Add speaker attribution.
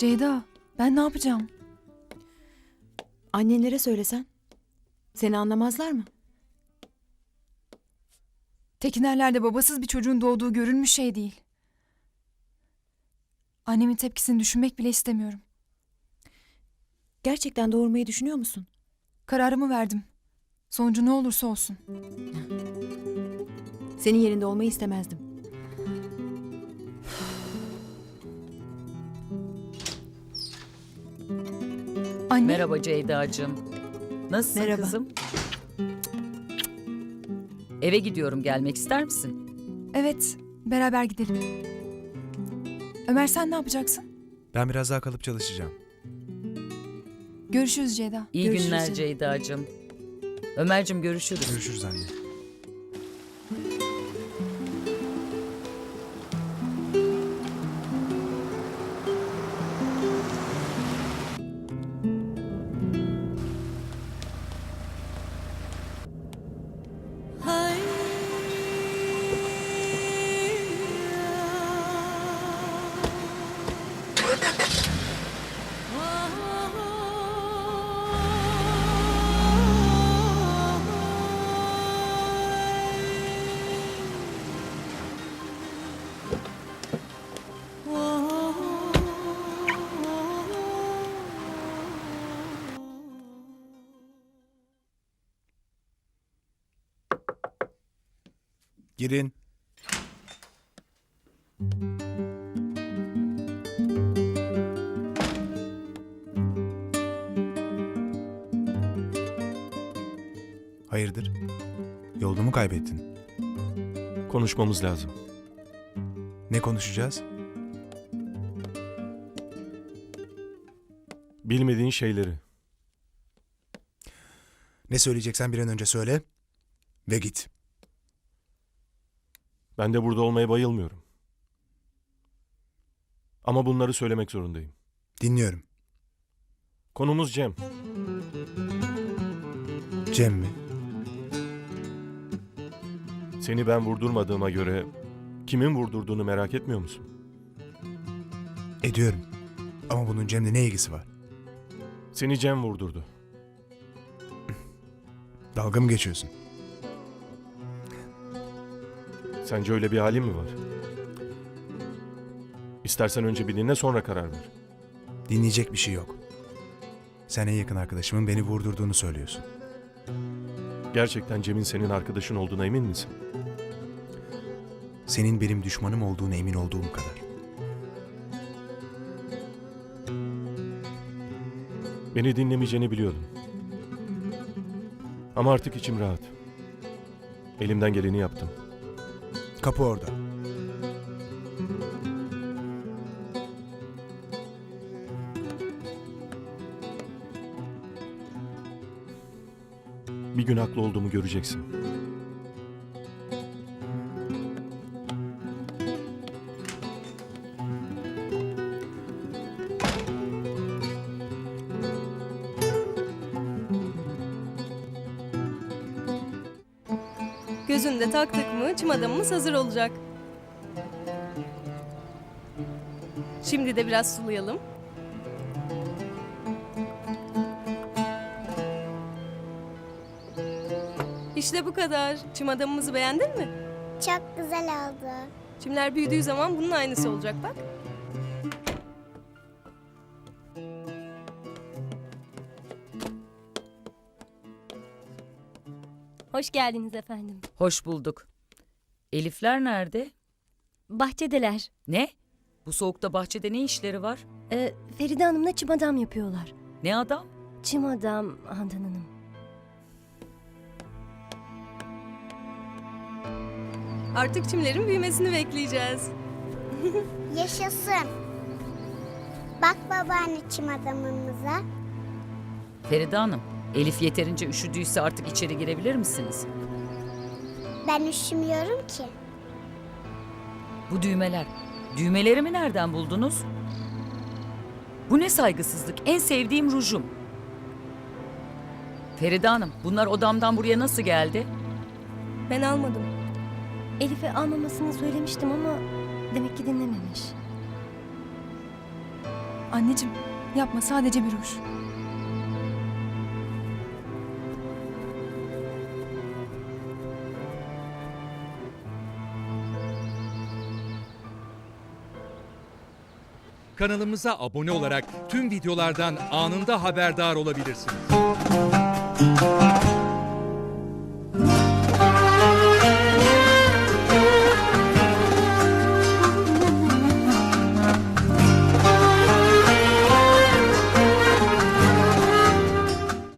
Speaker 1: Ceyda, ben ne yapacağım?
Speaker 2: Annenlere söylesen. Seni anlamazlar mı?
Speaker 1: Tekinerlerde babasız bir çocuğun doğduğu görülmüş şey değil. Annemin tepkisini düşünmek bile istemiyorum.
Speaker 2: Gerçekten doğurmayı düşünüyor musun?
Speaker 1: Kararımı verdim. Sonucu ne olursa olsun.
Speaker 2: Senin yerinde olmayı istemezdim.
Speaker 1: Anne,
Speaker 3: Merhaba Ceyda'cığım. Nasılsın
Speaker 2: Merhaba.
Speaker 3: kızım? Eve gidiyorum, gelmek ister misin?
Speaker 1: evet, beraber gidelim. Ömer sen ne yapacaksın?
Speaker 4: Ben biraz daha kalıp çalışacağım.
Speaker 1: Görüşürüz Ceyda.
Speaker 3: İyi
Speaker 2: Görüşürüz
Speaker 3: günler
Speaker 2: canım.
Speaker 3: Ceyda'cığım. Ömer'cim görüşürüz.
Speaker 4: Görüşürüz anne. Girin. Hayırdır? Yolunu mu kaybettin?
Speaker 5: Konuşmamız lazım.
Speaker 4: Ne konuşacağız?
Speaker 5: Bilmediğin şeyleri.
Speaker 4: Ne söyleyeceksen bir an önce söyle ve git.
Speaker 5: Ben de burada olmaya bayılmıyorum. Ama bunları söylemek zorundayım.
Speaker 4: Dinliyorum.
Speaker 5: Konumuz Cem.
Speaker 4: Cem mi?
Speaker 5: Seni ben vurdurmadığıma göre kimin vurdurduğunu merak etmiyor musun?
Speaker 4: Ediyorum. Ama bunun Cem'le ne ilgisi var?
Speaker 5: Seni Cem vurdurdu.
Speaker 4: Dalga mı geçiyorsun?
Speaker 5: Sence öyle bir halin mi var? İstersen önce bir dinle, sonra karar ver.
Speaker 4: Dinleyecek bir şey yok. Sen en yakın arkadaşımın beni vurdurduğunu söylüyorsun.
Speaker 5: Gerçekten Cem'in senin arkadaşın olduğuna emin misin?
Speaker 4: Senin benim düşmanım olduğuna emin olduğum kadar.
Speaker 5: Beni dinlemeyeceğini biliyordum. Ama artık içim rahat. Elimden geleni yaptım.
Speaker 4: Kapı orada.
Speaker 5: Bir gün haklı olduğumu göreceksin.
Speaker 6: Gözünde taktık mı çim adamımız hazır olacak. Şimdi de biraz sulayalım. İşte bu kadar. Çim adamımızı beğendin mi?
Speaker 7: Çok güzel oldu.
Speaker 6: Çimler büyüdüğü zaman bunun aynısı olacak bak.
Speaker 8: Hoş geldiniz efendim.
Speaker 3: Hoş bulduk. Elifler nerede?
Speaker 8: Bahçedeler.
Speaker 3: Ne? Bu soğukta bahçede ne işleri var?
Speaker 8: Feride Hanım'la çim adam yapıyorlar.
Speaker 3: Ne adam?
Speaker 8: Çim adam Handan Hanım.
Speaker 6: Artık çimlerin büyümesini bekleyeceğiz.
Speaker 7: Yaşasın. Bak babaanne çim adamımıza.
Speaker 3: Feride Hanım, Elif yeterince üşüdüyse artık içeri girebilir misiniz?
Speaker 7: Ben üşümüyorum ki.
Speaker 3: Bu düğmeler. Düğmelerimi nereden buldunuz? Bu ne saygısızlık? En sevdiğim rujum. Feride Hanım, bunlar odamdan buraya nasıl geldi?
Speaker 6: Ben almadım.
Speaker 8: Elif'e almamasını söylemiştim ama demek ki dinlememiş.
Speaker 1: Anneciğim yapma, sadece bir ruj.
Speaker 9: Kanalımıza abone olarak tüm videolardan anında haberdar olabilirsiniz.